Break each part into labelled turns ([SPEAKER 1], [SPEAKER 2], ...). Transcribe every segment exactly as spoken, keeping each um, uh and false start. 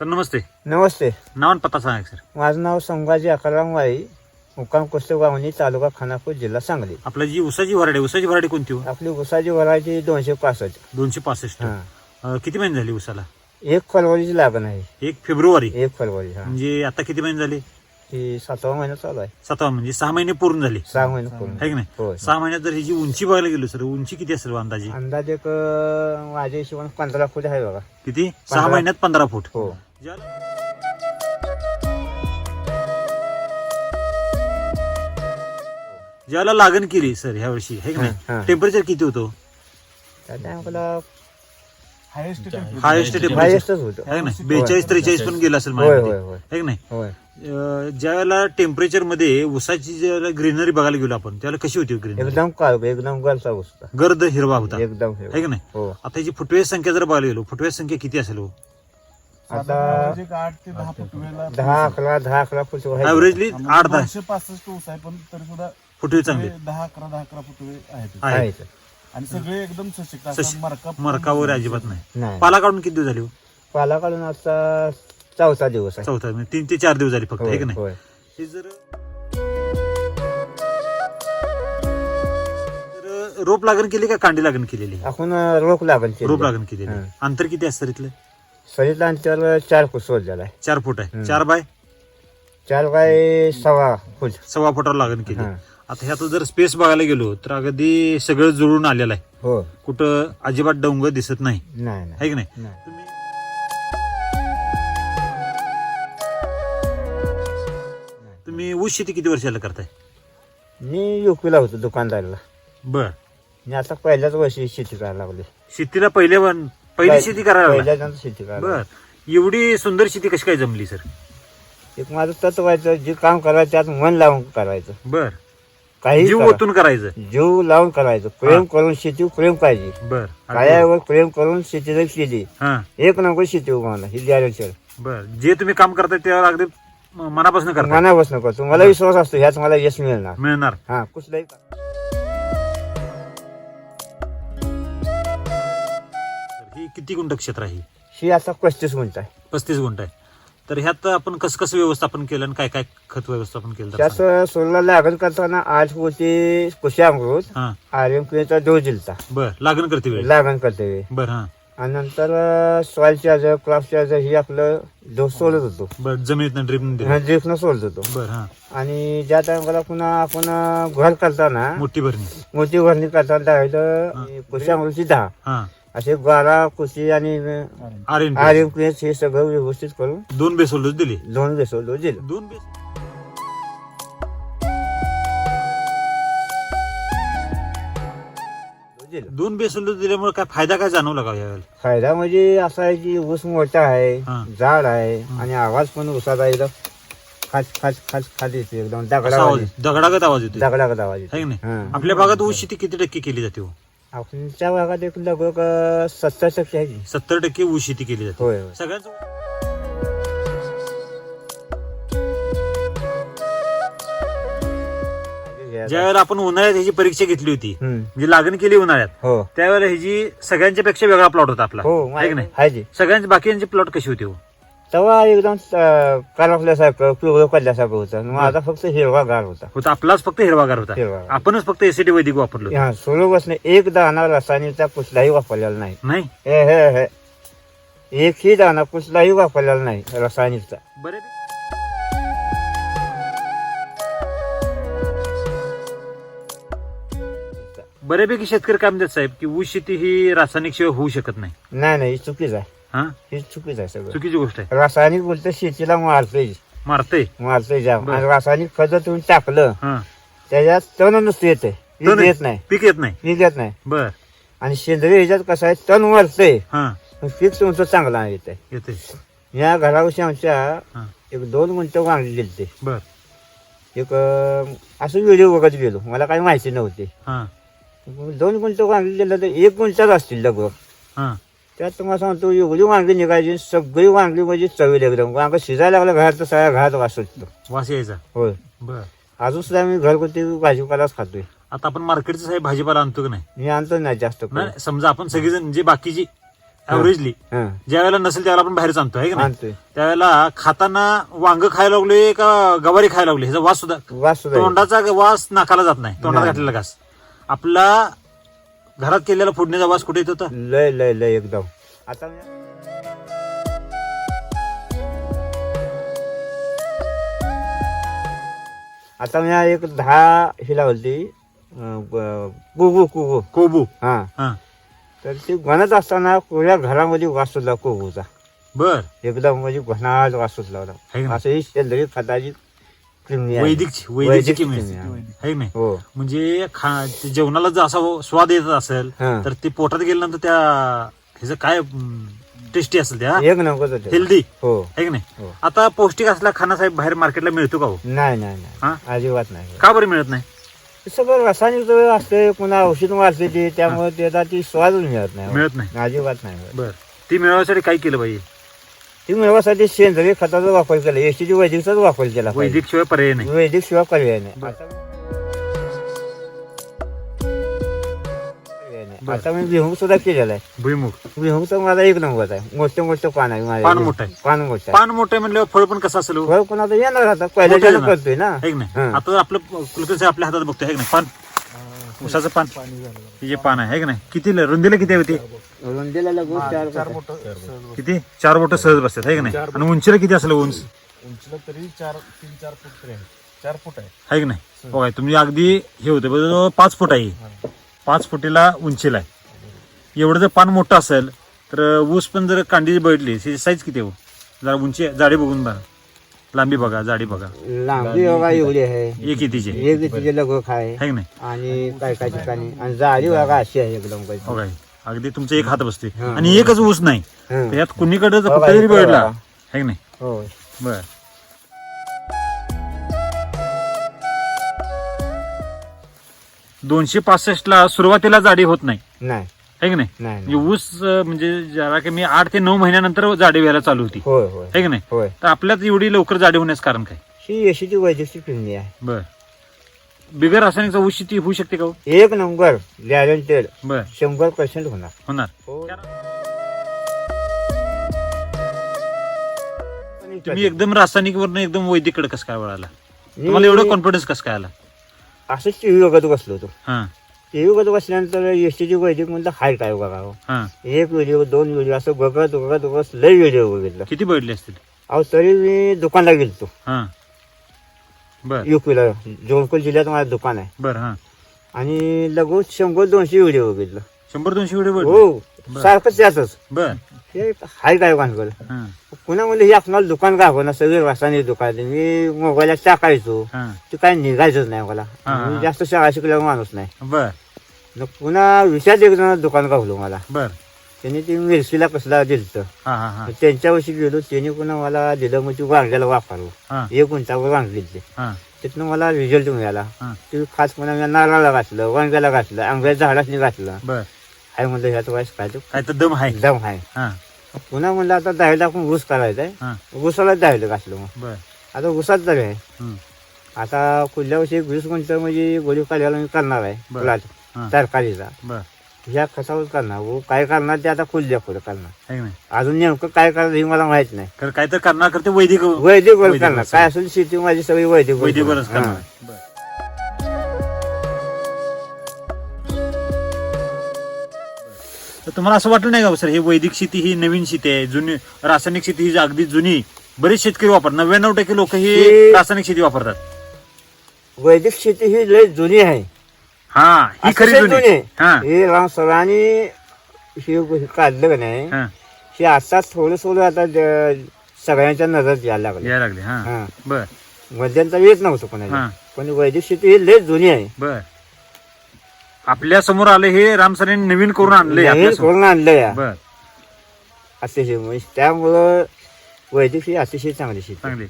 [SPEAKER 1] Sir नमस्ते.
[SPEAKER 2] नमस्ते.
[SPEAKER 1] नाव आणि पत्ता सांगा सर.
[SPEAKER 2] माझं नाव संभाजी अकराम वाई, मुक्काम कुस्तेगावणी, तालुका खानापूर, जिल्हा सांगली.
[SPEAKER 1] आपला जी उसाची व्हरायटी उसाची व्हरायटी कोणती हो?
[SPEAKER 2] आपली उसाची व्हरायटी दोनशे पासष्ट.
[SPEAKER 1] दोनशे पासष्ट.
[SPEAKER 2] हा.
[SPEAKER 1] अं, किती महिने झाली उसाला?
[SPEAKER 2] एक फरवरीची लागण आहे.
[SPEAKER 1] एक फेब्रुवारी.
[SPEAKER 2] एक फरवरी. हा.
[SPEAKER 1] म्हणजे आता किती महिने झाले?
[SPEAKER 2] ही सातवा महिना चालू आहे.
[SPEAKER 1] सातवा म्हणजे सहा महिने पूर्ण झाले.
[SPEAKER 2] सहा महिने पूर्ण.
[SPEAKER 1] आहे की नाही?
[SPEAKER 2] होय.
[SPEAKER 1] सहा महिन्यात जर ही जी उंची बघायला गेलो सर, उंची किती असेल अंदाजे?
[SPEAKER 2] अंदाजे एक अं, माझ्या हिशोबाने पंधरा फूट आहे बघा.
[SPEAKER 1] किती? सहा
[SPEAKER 2] पंधरा.
[SPEAKER 1] महिन्यात पंधरा फूट.
[SPEAKER 2] हो.
[SPEAKER 1] ज्याला ज्याला लागण केली सर ह्या वर्षी आहे की
[SPEAKER 2] हा,
[SPEAKER 1] नाही,
[SPEAKER 2] हा.
[SPEAKER 1] टेम्परेचर किती होतं?
[SPEAKER 2] त्या टायमाला
[SPEAKER 1] हायेस्ट
[SPEAKER 2] हायेस्टच
[SPEAKER 1] टेम्परेचर
[SPEAKER 2] होतं.
[SPEAKER 1] आहे ना, बेचाळीस त्रेचाळीस पण गेला असेल
[SPEAKER 2] होय
[SPEAKER 1] माझ्यामध्ये.
[SPEAKER 2] होय होय
[SPEAKER 1] आहे की नाही?
[SPEAKER 2] होय.
[SPEAKER 1] अं, ज्यावेळेला टेम्परेचर मध्ये उसाची ज्यावेळेला ग्रीनरी बघायला गेलो आपण त्यावेळेला कशी होती ग्रीनरी?
[SPEAKER 2] एकदम काळ एकदम गलचा होता.
[SPEAKER 1] गर्द हिरवा होता.
[SPEAKER 2] एकदम
[SPEAKER 1] आहे की नाही?
[SPEAKER 2] हो.
[SPEAKER 1] आता याची फुटवेज संख्या जर बघायला गेलो, फुटवेज संख्या किती असेल हो?
[SPEAKER 2] आता
[SPEAKER 3] आठ ते दहा फुटवेला
[SPEAKER 2] दहा अकरा दहा अकरा फूट आहे.
[SPEAKER 1] ऍव्हरेजली आठ दहा
[SPEAKER 3] दोनशे पासष्ट ऊस आहे, पण तरी सुद्धा
[SPEAKER 1] फुटवे चांगले
[SPEAKER 3] दहा अकरा दहा अकरा फुटवे आहेत
[SPEAKER 1] आहेत.
[SPEAKER 2] आहे.
[SPEAKER 3] आणि सगळे एकदम सशक्त
[SPEAKER 1] सश-
[SPEAKER 3] असं मरका
[SPEAKER 1] मरका वगैरे अजिबात नाही.
[SPEAKER 2] नाही.
[SPEAKER 1] पाला काढून किती दिवस झाले हो?
[SPEAKER 2] पाला काढून आता चौथा दिवस आहे.
[SPEAKER 1] चौथा म्हणजे तीन ते चार दिवस झाले फक्त. आहे की
[SPEAKER 2] होय,
[SPEAKER 1] नाही?
[SPEAKER 2] होय.
[SPEAKER 1] हे जर जर रोप लागण केली का कांडी लागण केलेली?
[SPEAKER 2] आपण रोख लागण केली.
[SPEAKER 1] रोप लागण केलेली.
[SPEAKER 2] हा.
[SPEAKER 1] अंतर किती असतं इथलं?
[SPEAKER 2] सरीतला अंतर चार फूट सोड झालाय.
[SPEAKER 1] चार फूट आहे.
[SPEAKER 2] हम्म.
[SPEAKER 1] चार बाय
[SPEAKER 2] चार बाय सव्वा फूट.
[SPEAKER 1] सव्वा फुटावर लागण केली.
[SPEAKER 2] हा.
[SPEAKER 1] आता ह्यात जर स्पेस बघायला गेलो तर अगदी सगळं जुळून आलेलं आहे.
[SPEAKER 2] हो.
[SPEAKER 1] कुठं अजिबात डोंगर दिसत नाही.
[SPEAKER 2] नाही
[SPEAKER 1] आहे
[SPEAKER 2] नाही
[SPEAKER 1] की नाही?
[SPEAKER 2] नाही.
[SPEAKER 1] तुम्ही तुम्ही ऊस शेती किती वर्षाला करताय?
[SPEAKER 2] मी युपीला होतो दुकानदारला.
[SPEAKER 1] बर.
[SPEAKER 2] मी आता पहिल्याच वर्षी शेती करायला लागली.
[SPEAKER 1] शेतीला पहिले वन- पहिली शेती करायला लागला.
[SPEAKER 2] पहिल्याच शेती करायला लागली.
[SPEAKER 1] बर. एवढी सुंदर शेती कशी काय जमली सर?
[SPEAKER 2] एक माझं तत्व व्हायचं, जे काम करायचं त्यात मन लावून करायचं.
[SPEAKER 1] बर.
[SPEAKER 2] काही
[SPEAKER 1] जीव
[SPEAKER 2] करा.
[SPEAKER 1] ओतून करायचं.
[SPEAKER 2] जीव लावून करायचं. प्रेम करून शेती प्रेम पाहिजे.
[SPEAKER 1] बर.
[SPEAKER 2] कायावर प्रेम करून शेती जर केली,
[SPEAKER 1] हा.
[SPEAKER 2] एक नंबर शेती उभारणार ही गॅरंटी.
[SPEAKER 1] बर. जे तुम्ही काम करताय त्यावर अगदी मनापासून करता
[SPEAKER 2] मनापासून करतो. मला विश्वास असतो ह्याच मला यश मिळणार.
[SPEAKER 1] मिळणार.
[SPEAKER 2] हा कुठलाही
[SPEAKER 1] ही किती गुंठ क्षेत्र आहे?
[SPEAKER 2] ही आता पस्तीस गुंठ आहे.
[SPEAKER 1] पस्तीस गुंठ आहे. तर ह्यात आपण कसं कसं व्यवस्थापन केलं आणि काय काय खत व्यवस्थापन केलं? तर
[SPEAKER 2] त्यात
[SPEAKER 1] सांगा.
[SPEAKER 2] सोलला लागण करताना आठ होती कुशी अमृत
[SPEAKER 1] हा.
[SPEAKER 2] आर्यन क्रियेचा डोस दिलता
[SPEAKER 1] बर. लागण करते वेळ.
[SPEAKER 2] लागण करते वेळी.
[SPEAKER 1] बर. हा.
[SPEAKER 2] आणि नंतर सॉइल चार्जर क्रॉप चार्जर ही आपलं डोस सोडत होतो.
[SPEAKER 1] बर. जमिनीत ड्रीप
[SPEAKER 2] ड्रिपनं सोडत होतो.
[SPEAKER 1] बर. हा.
[SPEAKER 2] आणि ज्या टायमाला पुन्हा आपण घर करताना
[SPEAKER 1] मोठी भरणी.
[SPEAKER 2] मोठी भरणी करताना डायरेक्ट कुशी अमृतची दहा
[SPEAKER 1] हा.
[SPEAKER 2] असे बारा कुशी आणि
[SPEAKER 1] आर एन
[SPEAKER 2] आर्यन क्रियेत हे सगळं व्यवस्थित करून
[SPEAKER 1] दोन बेसोल डोस दिले.
[SPEAKER 2] दोन बेसोल डोस दिले.
[SPEAKER 1] दोन बेस
[SPEAKER 2] दिलं.
[SPEAKER 1] दोन बेसोल डोस दिल्यामुळे काय फायदा काय जाणवला का यावेळेला?
[SPEAKER 2] फायदा म्हणजे असा आहे की ऊस मोठा आहे,
[SPEAKER 1] हा.
[SPEAKER 2] झाड आहे आणि आवाज पण ऊसाचा एकदम खाच खाच खाच खाच येते एकदम
[SPEAKER 1] असा
[SPEAKER 2] दगडा
[SPEAKER 1] आवाज दगडागत आवाज येतो.
[SPEAKER 2] दगडागत आवाज
[SPEAKER 1] आहे की
[SPEAKER 2] येते.
[SPEAKER 1] नाही?
[SPEAKER 2] हा.
[SPEAKER 1] आपल्या भागात ऊस शेती किती टक्के केली जाते हो?
[SPEAKER 2] आपल्या भागात एक लगभग अं, सत्तर टक्के आहे की.
[SPEAKER 1] सत्तर टक्के ऊस शेती केली जाते.
[SPEAKER 2] होय होय.
[SPEAKER 1] सगळ्यांचं ज्या वेळेला आपण उन्हाळ्यात ह्याची परीक्षा घेतली होती,
[SPEAKER 2] हम्म.
[SPEAKER 1] म्हणजे लागण केली उन्हाळ्यात,
[SPEAKER 2] हो
[SPEAKER 1] त्यावेळेला ह्याची सगळ्यांच्या पेक्षा वेगळा प्लॉट होता आपला.
[SPEAKER 2] हो
[SPEAKER 1] आहे की नाही?
[SPEAKER 2] आहे की.
[SPEAKER 1] सगळ्यांची बाकीची प्लॉट कशी होती हो?
[SPEAKER 2] तेव्हा एकदम करपल्यासारखं पिवळं पडल्यासारखं होतं. माझा फक्त हिरवा गार होता.
[SPEAKER 1] होता आपलाच फक्त हिरवागार होता.
[SPEAKER 2] हिरवागार.
[SPEAKER 1] आपणच फक्त एसीटी वैदिक वापरलो.
[SPEAKER 2] हा सोलो बसणे एक दाणा रासायनिकचा कुठलाही वापरलेला नाही.
[SPEAKER 1] नाही.
[SPEAKER 2] हे हे हे एकही दाणा कुठलाही वापरलेला नाही रासायनिकचा.
[SPEAKER 1] बरे बऱ्यापैकी शेतकरी काय म्हणतात साहेब की ऊस शेती ही रासायनिक शिवाय होऊ शकत नाही.
[SPEAKER 2] नाही नाही ही चुकीच आहे.
[SPEAKER 1] हा.
[SPEAKER 2] ही चुकीच आहे सगळं.
[SPEAKER 1] चुकीची गोष्ट आहे.
[SPEAKER 2] रासायनिक बोलतं शेतीला मारतोय
[SPEAKER 1] मारतय.
[SPEAKER 2] मारतोय जाम.
[SPEAKER 1] बरं.
[SPEAKER 2] आणि रासायनिक खत तुम्ही टाकलं
[SPEAKER 1] हा.
[SPEAKER 2] त्याच्यात तण नुसतं येते,
[SPEAKER 1] तण
[SPEAKER 2] येत नाही,
[SPEAKER 1] पीक येत नाही.
[SPEAKER 2] पीक येत नाही.
[SPEAKER 1] बर.
[SPEAKER 2] आणि सेंद्रिय ह्याच्यात कसं आहे तण वाढतंय,
[SPEAKER 1] हा.
[SPEAKER 2] पीक तुमचं चांगलं येते.
[SPEAKER 1] येते.
[SPEAKER 2] या घराविषयी आमच्या
[SPEAKER 1] हा.
[SPEAKER 2] एक दोन गुंठ वांगी गेलते.
[SPEAKER 1] बर.
[SPEAKER 2] एक अं, असं व्हिडिओ बघत गेलो, मला काही माहिती नव्हती.
[SPEAKER 1] हा.
[SPEAKER 2] दोन गुंठ वांगी गेलं तर एक गुंठाच असतील लगभग.
[SPEAKER 1] हा.
[SPEAKER 2] त्यात तुम्हाला सांगतो एवढी वांगी निघायची, सगळी वांगी म्हणजे चवील एकदम. वांग शिजायला लागलं घरात तर सगळ्या घरात वास सुटतो.
[SPEAKER 1] वास यायचा.
[SPEAKER 2] होय.
[SPEAKER 1] बर.
[SPEAKER 2] अजून सुद्धा मी घरगुती भाजीपालाच खातोय.
[SPEAKER 1] आता आपण मार्केटचा साहेब भाजीपाला आणतो की नाही?
[SPEAKER 2] मी आणतो नाही जास्त करून.
[SPEAKER 1] नाही समजा आपण सगळेजण जे बाकीची ऍव्हरेजली
[SPEAKER 2] हा
[SPEAKER 1] ज्या वेळेला नसेल त्यावेळेला आपण बाहेर आणतो आहे का नाही
[SPEAKER 2] आणतोय
[SPEAKER 1] त्यावेळेला खाताना वांग खायला लागले का गवारी खायला लागली ह्याचा वास सुद्धा
[SPEAKER 2] वास सुद्धा येतो.
[SPEAKER 1] तोंडाचा वास नाकाला जात नाही तोंडात
[SPEAKER 2] नाही.
[SPEAKER 1] घातलेला घास आपला घरात केलेला फोडण्याचा वास कुठे येत होता
[SPEAKER 2] लय लय लय एकदम आता आता मी एक दहा ही लावली कुगू कुगू
[SPEAKER 1] कोबू
[SPEAKER 2] हा
[SPEAKER 1] हा
[SPEAKER 2] तर ती बनत असताना पुऱ्या घरामध्ये वास सुटला कोगूचा
[SPEAKER 1] बर
[SPEAKER 2] एकदम म्हणजे घनाट वास सुटला
[SPEAKER 1] है
[SPEAKER 2] होता
[SPEAKER 1] ना?
[SPEAKER 2] असं ही सेंद्रिय खताची क्रिमी आहे.
[SPEAKER 1] वैदिकची
[SPEAKER 2] वैदिक
[SPEAKER 1] वैदिकची
[SPEAKER 2] क्रिमी
[SPEAKER 1] आहे
[SPEAKER 2] आहे.
[SPEAKER 1] है की नाही
[SPEAKER 2] हो
[SPEAKER 1] म्हणजे खा ते जेवणाला जर असा स्वाद येत असेल
[SPEAKER 2] हा.
[SPEAKER 1] तर ते पोटात गेल्यानंतर त्या ह्याचं काय टेस्टी असेल त्या
[SPEAKER 2] एक नंबर
[SPEAKER 1] हेल्दी
[SPEAKER 2] हो
[SPEAKER 1] आहे की नाही
[SPEAKER 2] हो.
[SPEAKER 1] आता पौष्टिक असला खाना साहेब बाहेर मार्केटला मिळतो का हो
[SPEAKER 2] नाही नाही
[SPEAKER 1] हा?
[SPEAKER 2] नाही अजिबात नाही
[SPEAKER 1] का बरं मिळत नाही
[SPEAKER 2] ते सगळं रासायनिक असते पुन्हा औषध मारते ते त्यामुळे त्याचा ती स्वादच मिळत नाही
[SPEAKER 1] मिळत नाही
[SPEAKER 2] अजिबात नाही मिळत.
[SPEAKER 1] बर ती मिळवण्यासाठी काय केलं पाहिजे
[SPEAKER 2] ती मिळवासाठी सेंद्रिय खताचा वापर केला एसटीची वैदिकचाच वापर केला पाहिजे.
[SPEAKER 1] वैदिक शिवाय पर्याय नाही
[SPEAKER 2] वैदिक शिवाय पर्याय नाही
[SPEAKER 1] बरं.
[SPEAKER 2] आता पर्याय नाही. आता मी भुईमुग सुद्धा केलेला आहे
[SPEAKER 1] भुईमुग
[SPEAKER 2] भुईमुगचा माझा एक नंबर आहे मोठं मोठं पान आहे माझ्या
[SPEAKER 1] पान मोठं आहे.
[SPEAKER 2] पान मोठं आहे
[SPEAKER 1] पान मोठं आहे म्हणल्यावर फळ पण कसं असेल हो?
[SPEAKER 2] फळ पण आता येणार आता पहिल्या
[SPEAKER 1] मोठं
[SPEAKER 2] ज्याला
[SPEAKER 1] येणार.
[SPEAKER 2] करतोय ना
[SPEAKER 1] है की नाही
[SPEAKER 2] हं.
[SPEAKER 1] आता आपलं कुलकर्णी आपल्या हातात बघतोय है की नाही पान उसाचं पान हे जे पान आहे है की नाही किती रुंदीला किती होती
[SPEAKER 2] रुंदीला लागून चार
[SPEAKER 3] चार
[SPEAKER 2] बोटं.
[SPEAKER 3] बोट
[SPEAKER 1] किती चार बोट सहज बसतात है की नाही आणि उंचीला किती असेल उंच
[SPEAKER 3] उंचीला तरी चार तीन चार फूट तरी आहे चार फूट आहे
[SPEAKER 1] आहे की नाही बघा तुम्ही अगदी हे होते बघा पाच फूट आहे पाच फुटीला उंचीला आहे एवढं जर पान मोठं असेल तर ऊस पण जर कांडी बघितली त्याची साईज किती हो जरा उंची जाडी बघून बघा लांबी बघा जाडी बघा
[SPEAKER 2] लांबी बघा एवढी आहे
[SPEAKER 1] एक कितीची
[SPEAKER 2] एक तिचे लगोख आहे
[SPEAKER 1] है की नाही
[SPEAKER 2] आणि काय काय ठिकाणी आणि जाडी बघा अशी आहे एकदम काही.
[SPEAKER 1] बघा अगदी तुमचं एक हात बसते
[SPEAKER 2] हं.
[SPEAKER 1] आणि एकच ऊस नाही
[SPEAKER 2] हं.
[SPEAKER 1] त्यात कुणीकडे
[SPEAKER 2] बघा,
[SPEAKER 1] फक्त जरी
[SPEAKER 2] इकडं
[SPEAKER 1] बघितला
[SPEAKER 2] बघा.
[SPEAKER 1] है की नाही
[SPEAKER 2] हो
[SPEAKER 1] बर दोनशे पासष्ट ला सुरुवातीला जाडी होत नाही
[SPEAKER 2] नाही
[SPEAKER 1] है की नाही
[SPEAKER 2] नाही
[SPEAKER 1] म्हणजे
[SPEAKER 2] नाही.
[SPEAKER 1] ऊस अं, म्हणजे जरा कमी आठ ते नऊ महिन्यानंतर जाडी व्हायला चालू होती
[SPEAKER 2] होय होय
[SPEAKER 1] है की नाही
[SPEAKER 2] होय
[SPEAKER 1] तर आपल्यात एवढी लवकर जाडी होण्याचं कारण काय
[SPEAKER 2] ही यशीची वैद्यकीय किमनी आहे
[SPEAKER 1] बर बिगर रासायनिकचा ऊस शेती होऊ शकते का हो?
[SPEAKER 2] एक नंबर गॅरंटेड
[SPEAKER 1] बर
[SPEAKER 2] शंभर पर्सेंट होणार
[SPEAKER 1] होणार
[SPEAKER 2] हो.
[SPEAKER 1] तुम्ही एकदम रासायनिक वरनं एकदम वैदिकडे कसं काय वळाला
[SPEAKER 2] मी
[SPEAKER 1] तुम्हाला एवढं कॉन्फिडन्स कसं काय आला
[SPEAKER 2] असंच टीव्ही बघत बसलो होतो
[SPEAKER 1] हा
[SPEAKER 2] टीव्ही बघत बसल्यानंतर यशीची वैदिक म्हणलं हाय काय बघावं
[SPEAKER 1] हा
[SPEAKER 2] एक व्हिडिओ दोन व्हिडिओ असं बघत बघत बघत लय व्हिडिओ बघितलं
[SPEAKER 1] किती बघितले असतील
[SPEAKER 2] अहो तरी मी दुकानला गेलतो
[SPEAKER 1] हा बर
[SPEAKER 2] युपीला जवळकोट जिल्ह्यात माझं दुकान आहे
[SPEAKER 1] बर हा
[SPEAKER 2] आणि लगोच शंभर दोनशे व्हिडिओ बघितलं
[SPEAKER 1] शंभर दोनशे व्हिडिओ बघितले
[SPEAKER 2] हो
[SPEAKER 1] बरं.
[SPEAKER 2] सारखं त्यातच
[SPEAKER 1] बर
[SPEAKER 2] हे हाय काय भानगड
[SPEAKER 1] हा
[SPEAKER 2] पुन्हा म्हणजे हे आपल्याला दुकान का ना सगळे रासायनिक दुकान आहे. मी मोबाईलला टाकायचो
[SPEAKER 1] हा
[SPEAKER 2] ते काय निघायचंच नाही मला
[SPEAKER 1] हा, हा.
[SPEAKER 2] मी जास्त शाळा शिकलेला माणूस नाही
[SPEAKER 1] बर
[SPEAKER 2] मग पुन्हा विचार एक जण दुकान गावलो मला
[SPEAKER 1] बर
[SPEAKER 2] त्यांनी ते मिरचीला कसला दिलं
[SPEAKER 1] हा हा हा
[SPEAKER 2] त्यांच्यावर्षी गेलो त्यांनी पुन्हा मला दिलं मग ती वांग्याला वापरलो
[SPEAKER 1] हा
[SPEAKER 2] एक उंचावर वांग दिले
[SPEAKER 1] हा
[SPEAKER 2] तिथनं मला रिझल्ट मिळाला
[SPEAKER 1] हा
[SPEAKER 2] ते खास पुन्हा मी नारळाला घातलं वांग्याला घातलं आंब्याच्या झाडासनी घातलं
[SPEAKER 1] बर
[SPEAKER 2] आहे म्हणलं ह्याच वयस काय तो
[SPEAKER 1] काय तर दम आहे
[SPEAKER 2] एकदम आहे
[SPEAKER 1] हा
[SPEAKER 2] पुन्हा म्हणलं आता दहावीला आपण ऊस करायचा आहे
[SPEAKER 1] हा
[SPEAKER 2] ऊसाला दहावीला घातलं मग
[SPEAKER 1] बर
[SPEAKER 2] आता ऊसात तरी आहे
[SPEAKER 1] हम्म.
[SPEAKER 2] आता पुढल्या वर्षी एक वीस गुंठ म्हणजे गोळी काढायला मी करणार आहे
[SPEAKER 1] बरं.
[SPEAKER 2] प्लॉट
[SPEAKER 1] हा
[SPEAKER 2] तरकारीचा
[SPEAKER 1] बर
[SPEAKER 2] ह्या खतावर करणार वो काय करणार ते आता खुल्या पुढे करणार
[SPEAKER 1] है की नाही
[SPEAKER 2] अजून नेमकं काय करणार हे मला माहित नाही
[SPEAKER 1] तर काय तर करणार करते वैदिक
[SPEAKER 2] वैदिक वर
[SPEAKER 1] वैदिक
[SPEAKER 2] करणार
[SPEAKER 1] वर
[SPEAKER 2] काय असेल शेती माझी सगळी वैदिक वर
[SPEAKER 1] वैदिकवरच
[SPEAKER 2] करणार.
[SPEAKER 1] करणार
[SPEAKER 2] हां.
[SPEAKER 1] बर तर तुम्हाला असं वाटलं नाही का सर हे वैदिक शेती ही नवीन शेती आहे जुनी रासायनिक शेती ही अगदी जुनी बरेच शेतकरी वापरतात नव्याण्णव टक्के लोक ही
[SPEAKER 2] हे-
[SPEAKER 1] रासायनिक शेती वापरतात
[SPEAKER 2] वैदिक शेती ही लय जुनी आहे
[SPEAKER 1] हा ही खरी
[SPEAKER 2] अतिशय
[SPEAKER 1] जुनी हा
[SPEAKER 2] हे राम सरांनी हे हे काढलं का नाही
[SPEAKER 1] हा
[SPEAKER 2] हे आता थोडं थोडं आता ज- सगळ्यांच्या नजर यायला लागलं
[SPEAKER 1] यायला लागले हा
[SPEAKER 2] हा
[SPEAKER 1] बर
[SPEAKER 2] मध्यंतर येत नव्हतं कोणाला
[SPEAKER 1] हा
[SPEAKER 2] पण वैदिक शेती ही लय जुनी आहे
[SPEAKER 1] बर आपल्या समोर आले हे राम सरांनी नवीन करून आणले
[SPEAKER 2] नवीन करून आणलं या
[SPEAKER 1] बर
[SPEAKER 2] अतिशय म्हणजे त्यामुळं वैदिक ही अतिशय चांगली शेती
[SPEAKER 1] चांगली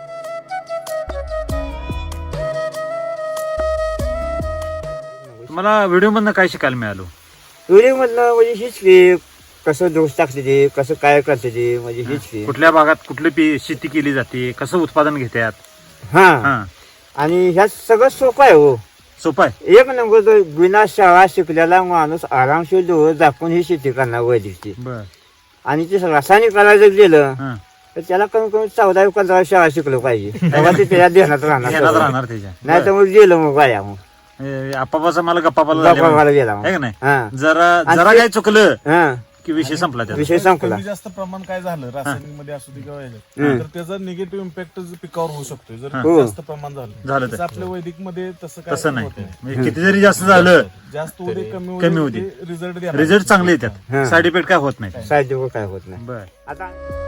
[SPEAKER 1] मला व्हिडिओ मधनं काय शिकायला मिळालो
[SPEAKER 2] व्हिडिओ मधलं म्हणजे हीच की कसं दोष टाकते ते कसं काय करते ते म्हणजे हीच की
[SPEAKER 1] कुठल्या भागात कुठली पी- शेती केली जाते कसं उत्पादन घेतात
[SPEAKER 2] हा
[SPEAKER 1] हा
[SPEAKER 2] आणि ह्यात सगळं सोपं आहे हो
[SPEAKER 1] सोपं आहे
[SPEAKER 2] एक नंबर तर बिना शाळा शिकलेला माणूस आरामशीर डोळं झाकून ही शेती करणार वैदिकची
[SPEAKER 1] बर
[SPEAKER 2] आणि ते रासायनिक करायचं गेलं
[SPEAKER 1] हा.
[SPEAKER 2] तर त्याला कमी कमी चौदा पंधरा शाळा शिकलो पाहिजे तेव्हा ते त्याच्या ध्यानात राहणार
[SPEAKER 1] ध्यानात
[SPEAKER 2] सगळं.
[SPEAKER 1] राहणार त्याच्या
[SPEAKER 2] नाही तर मग गेलं मग बाया मग
[SPEAKER 1] आपापाचा मला गप्पापाला झाले
[SPEAKER 2] गप्पा गेला मग
[SPEAKER 1] आहे का नाही
[SPEAKER 2] हा
[SPEAKER 1] जरा
[SPEAKER 2] आणि
[SPEAKER 1] जरा
[SPEAKER 2] ते-
[SPEAKER 1] काय चुकलं
[SPEAKER 2] हा
[SPEAKER 1] की विषय संपला त्याचा
[SPEAKER 2] विषय संपला
[SPEAKER 3] कमी जास्त प्रमाण काय झालं रासायनिक मध्ये असू दे किंवा ह्याच्यात,
[SPEAKER 2] हम्म.
[SPEAKER 3] तर त्याचा निगेटिव्ह इम्पॅक्ट पिकावर होऊ शकतो जर
[SPEAKER 2] हो.
[SPEAKER 3] जास्त प्रमाण झालं
[SPEAKER 1] झालं तर.
[SPEAKER 3] तसं आपल्या वैदिक मध्ये तसं काय
[SPEAKER 1] तसं नाही
[SPEAKER 3] होत नाही.
[SPEAKER 1] म्हणजे किती जरी जास्त झालं
[SPEAKER 3] जास्त उदे कमी
[SPEAKER 1] कमी होऊ दे.
[SPEAKER 3] रिझल्ट
[SPEAKER 1] रिझल्ट चांगले येतात
[SPEAKER 2] हा.
[SPEAKER 1] साईड इफेक्ट काय होत नाही
[SPEAKER 2] साहित्य काय होत नाही
[SPEAKER 1] बर
[SPEAKER 2] आता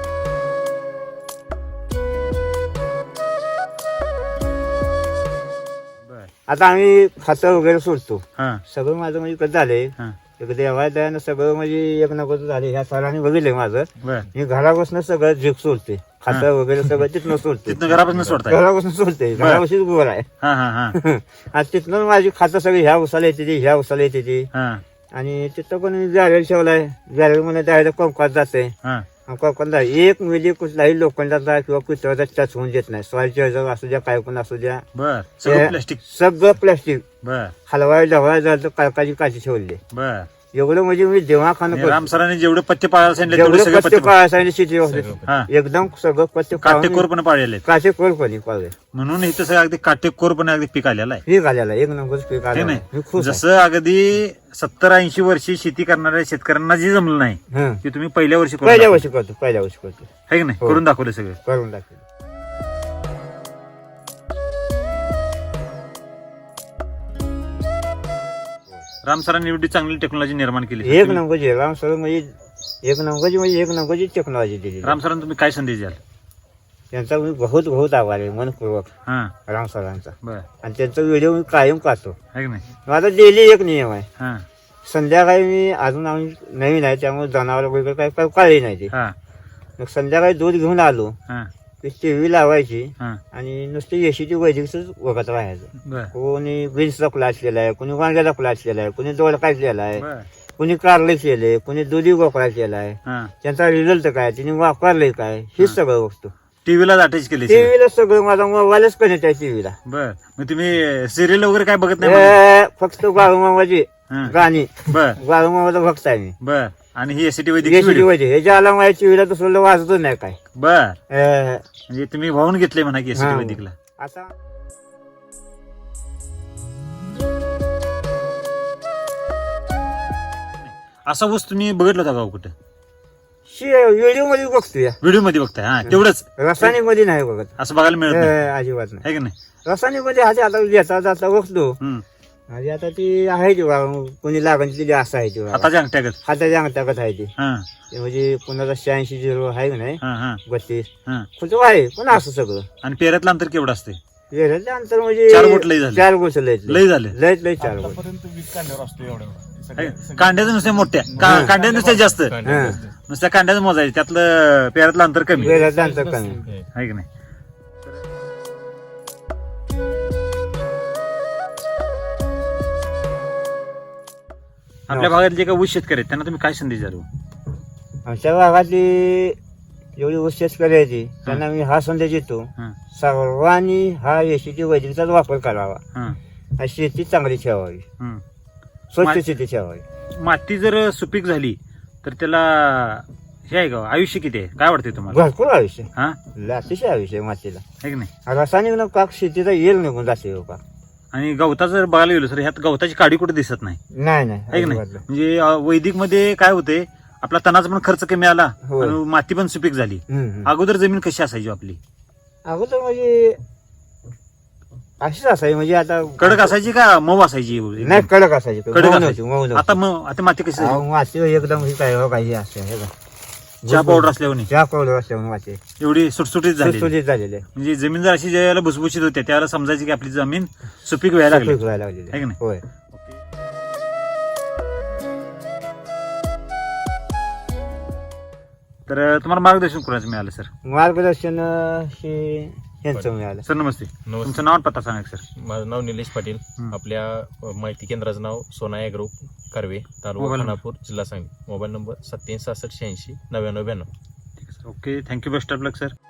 [SPEAKER 1] बर
[SPEAKER 2] आता आम्ही खातं वगैरे सोडतो
[SPEAKER 1] हा
[SPEAKER 2] सगळं माझं म्हणजे कसं झालंय
[SPEAKER 1] हा
[SPEAKER 2] एक देवाला सगळं म्हणजे एक नको झाले ह्या सरांनी बघितलंय माझं
[SPEAKER 1] बर
[SPEAKER 2] मी घरापासून सगळं जीव सोडते खातं वगैरे सगळं तिथनं सोडते
[SPEAKER 1] तिथनं घरापासून सोडताय
[SPEAKER 2] घरापासून सोडते घरापाशीच गोर आहे
[SPEAKER 1] हा हा हा
[SPEAKER 2] आणि तिथनं माझी खातं सगळी ह्या उसाला येते ती ह्या उसाला येते ती
[SPEAKER 1] हा
[SPEAKER 2] आणि तिथं पण बॅरेल ठेवलाय बॅरेल मध्ये डायरेक्ट कोंकात जाते
[SPEAKER 1] हा
[SPEAKER 2] कोंकातला एक मिली कुठलाही लोखंडाचा किंवा पितळाचा टच होऊन देत नाही सॉइल असू द्या काय पण असू द्या
[SPEAKER 1] बर सगळं
[SPEAKER 2] ते-
[SPEAKER 1] प्लास्टिक
[SPEAKER 2] सगळं प्लास्टिक
[SPEAKER 1] बर
[SPEAKER 2] हलवाय ढवळाय झालं तर काळकाची काची ठेवली
[SPEAKER 1] बर
[SPEAKER 2] एवढं म्हणजे मी जेव्हा खाणं
[SPEAKER 1] आणि राम सरांनी जेवढे पत्ते पाळायला सांगितले तेवढे
[SPEAKER 2] जेवढं
[SPEAKER 1] सगळे
[SPEAKER 2] पत्ते
[SPEAKER 1] पत्ते
[SPEAKER 2] पाळायला शेती होते
[SPEAKER 1] हा
[SPEAKER 2] एकदम सगळं पत्ते
[SPEAKER 1] काटेकोरपणे पाळलेले आहेत.
[SPEAKER 2] काटेकोरपणे पाळले
[SPEAKER 1] म्हणून इथं सगळं अगदी काटेकोरपणे अगदी पीक आलेलं आहे
[SPEAKER 2] पीक आलेला एक नंबर पीक
[SPEAKER 1] हे
[SPEAKER 2] आलेलं
[SPEAKER 1] नाही
[SPEAKER 2] आहे. मी खुश आहे.
[SPEAKER 1] जसं अगदी सत्तर ऐंशी वर्षी शेती करणाऱ्या शेतकऱ्यांना जे जमलं नाही
[SPEAKER 2] हं.
[SPEAKER 1] ते तुम्ही पहिल्या वर्षी करून
[SPEAKER 2] पहिल्या
[SPEAKER 1] दाखवलं.
[SPEAKER 2] वर्षी करतो पहिल्या वर्षी करतो
[SPEAKER 1] है की नाही
[SPEAKER 2] हो.
[SPEAKER 1] करून दाखवलं सगळं
[SPEAKER 2] करून टाकेल
[SPEAKER 1] राम सरांनी एवढी चांगली टेक्नॉलॉजी निर्माण केली
[SPEAKER 2] एक नंबरची राम सर म्हणजे एक नंबरची म्हणजे एक नंबरची टेक्नॉलॉजी दिली
[SPEAKER 1] राम सरांना तुम्ही काय संदेश द्याल
[SPEAKER 2] त्यांचा मी बहुत बहुत आभार आहे मनपूर्वक
[SPEAKER 1] हा
[SPEAKER 2] राम सरांचा
[SPEAKER 1] बर
[SPEAKER 2] आणि त्यांचा व्हिडिओ मी कायम पाहतो
[SPEAKER 1] है की नाही
[SPEAKER 2] माझा डेली एक नियम आहे
[SPEAKER 1] हा
[SPEAKER 2] संध्याकाळी मी अजून आम्ही नवीन आहे त्यामुळे जनावर वगैरे काय काय काळी नाही ते
[SPEAKER 1] हा
[SPEAKER 2] मग संध्याकाळी दूध घेऊन आलो
[SPEAKER 1] हा
[SPEAKER 2] की टीव्ही लावायची
[SPEAKER 1] हा
[SPEAKER 2] आणि नुसती येशीची वैदिकच बघत राहायचं
[SPEAKER 1] बर
[SPEAKER 2] कोणी बीन्सचा क्लास केला आहे कोणी वांग्याचा क्लास केला आहे कोणी दोडका केला आहे
[SPEAKER 1] बर
[SPEAKER 2] कोणी कारले केले कोणी दुधी गोकळा केला आहे
[SPEAKER 1] हा
[SPEAKER 2] त्यांचा रिझल्ट काय तिने वापरले काय हेच सगळं बघतो
[SPEAKER 1] टीव्हीला अटॅच केली सगळं.
[SPEAKER 2] टीव्हीला सगळं माझा मोबाईलच कनेक्ट आहे टीव्हीला
[SPEAKER 1] बर मग तुम्ही सिरियल वगैरे काय बघत नाही म्हणून?
[SPEAKER 2] फक्त बाळूमामाची
[SPEAKER 1] हा.
[SPEAKER 2] गाणी
[SPEAKER 1] बर
[SPEAKER 2] बाळूमामाचा भक्त आहे मी
[SPEAKER 1] बर आणि ही एसीटी वैदिक
[SPEAKER 2] येशीची
[SPEAKER 1] व्हिडिओ.
[SPEAKER 2] वैदिक हे ज्याला माझ्या टीव्हीला दुसरं वाचतच नाही काय
[SPEAKER 1] बर
[SPEAKER 2] अं,
[SPEAKER 1] म्हणजे तुम्ही वाहून घेतले म्हणा की एसीटी
[SPEAKER 2] हा.
[SPEAKER 1] वैदिकला
[SPEAKER 2] आता
[SPEAKER 1] असा ऊस तुम्ही बघितला होता का हो कुठं
[SPEAKER 2] व्हिडिओ मध्ये बघतो या
[SPEAKER 1] व्हिडिओ मध्ये बघताय हा तेवढंच
[SPEAKER 2] रासायनिक मध्ये नाही बघत
[SPEAKER 1] असं बघायला मिळत नाही
[SPEAKER 2] अं, अजिबात नाही
[SPEAKER 1] है की नाही
[SPEAKER 2] रासायनिक मध्ये आधी आता येता जाता बघतो
[SPEAKER 1] हम्म.
[SPEAKER 2] आधी आता ती आहे ती बा कोणी लागणची असं आहे ती बा
[SPEAKER 1] हाताच्या अंगठ्यागत
[SPEAKER 2] हाताच्या अंगठागत आहे ती
[SPEAKER 1] हा
[SPEAKER 2] ते म्हणजे कोणाचा शहाऐंशी झिरो आहे का नाही
[SPEAKER 1] हा हा
[SPEAKER 2] बत्तीस
[SPEAKER 1] हा
[SPEAKER 2] कुठं आहे पण असं सगळं
[SPEAKER 1] आणि पेऱ्यातलं अंतर केवढं असते
[SPEAKER 2] वेळेचं अंतर म्हणजे
[SPEAKER 1] चार बोट लय झाले.
[SPEAKER 2] चार गोष्ट लय
[SPEAKER 1] लय झाले.
[SPEAKER 2] लय लय चार गोष्ट
[SPEAKER 3] आतापर्यंत वीस कांड्यावर असतो एवढ्या
[SPEAKER 1] है का? कांड्याचं नुसत्या मोठ्या का- कांड्या नुसत्या जास्त
[SPEAKER 2] हा.
[SPEAKER 1] नुसत्या कांड्याचं मोजायचं त्यातलं पेऱ्यातलं अंतर कमी
[SPEAKER 2] वेळेचं अंतर कमी
[SPEAKER 1] आहे की नाही आपल्या भागात जे काही ऊस शेतकरी आहेत त्यांना तुम्ही काय संदेश द्याल हो?
[SPEAKER 2] आमच्या भागातली जेवढी ऊस शेतकरी आहे ती त्यांना मी हा संदेश देतो
[SPEAKER 1] हा,
[SPEAKER 2] सर्वांनी हा येशीची वैदिकचाच वापर करावा
[SPEAKER 1] हा,
[SPEAKER 2] आणि शेती चांगली ठेवावी
[SPEAKER 1] हम्म.
[SPEAKER 2] स्वच्छ
[SPEAKER 1] मा-
[SPEAKER 2] शेती ठेवावी
[SPEAKER 1] माती जर सुपीक झाली तर त्याला हे आहे का आयुष्य किती आहे काय वाटतंय तुम्हाला
[SPEAKER 2] भरपूर आयुष्य
[SPEAKER 1] हा
[SPEAKER 2] अतिशय आयुष्य आहे मातीला
[SPEAKER 1] आहे की नाही
[SPEAKER 2] रासायनिक न पाक शेतीचा येल निघून जाते हो पाक
[SPEAKER 1] आणि गवताचं जर बघायला गेलो सर ह्यात गवताची काडी कुठे दिसत नाही
[SPEAKER 2] नाही नाही
[SPEAKER 1] आहे की नाही
[SPEAKER 2] अजिबात नाही.
[SPEAKER 1] म्हणजे अं, वैदिक मध्ये काय होते आपला तणाचा पण खर्च कमी आला
[SPEAKER 2] होय.
[SPEAKER 1] आणि माती पण सुपीक झाली
[SPEAKER 2] हम्म, हम्म.
[SPEAKER 1] अगोदर जमीन कशी असायची आपली
[SPEAKER 2] अगोदर म्हणजे अशीच असायची म्हणजे आता
[SPEAKER 1] कडक असायची का मऊ असायची एकदम?
[SPEAKER 2] नाही कडक असायची
[SPEAKER 1] कडक
[SPEAKER 2] मऊ
[SPEAKER 1] असायची.
[SPEAKER 2] नव्हती, मऊ नव्हती.
[SPEAKER 1] आता मग आता माती कशी
[SPEAKER 2] अहो, माती एकदम ही काय हो काही असते हे का
[SPEAKER 1] चहा पावडर असल्यावर
[SPEAKER 2] चहा पावडर असल्यामुळे माती
[SPEAKER 1] एवढी सुटसुटीत झाली
[SPEAKER 2] सुटसुटीत झालेले
[SPEAKER 1] म्हणजे जमीन जर अशी ज्यावेळेला भुसभुशीत होते त्यावेळेला समजायची की आपली जमीन सुपीक व्हायला लागली
[SPEAKER 2] व्हायला लागलेले
[SPEAKER 1] आहे की नाही?
[SPEAKER 2] होय
[SPEAKER 1] तर तुम्हाला मार्गदर्शन कोणाचं मिळालं सर
[SPEAKER 2] मार्गदर्शन अं, हे यांचं मिळालं
[SPEAKER 1] सर नमस्ते
[SPEAKER 4] नमस्ते.
[SPEAKER 1] तुमचं नाव आणि पत्ता सांगा सर
[SPEAKER 4] माझं नाव निलेश पाटील.
[SPEAKER 1] हं.
[SPEAKER 4] आपल्या अ, माहिती केंद्राचं नाव Sona agro Karve, taluka
[SPEAKER 1] mobile number.
[SPEAKER 4] Khanapur, जिल्हा सांगली. मोबाईल नंबर सत्याऐंशी सहासष्ट शहाऐंशी नव्याण्णव ब्याण्णव.
[SPEAKER 1] Okay thank you best of luck sir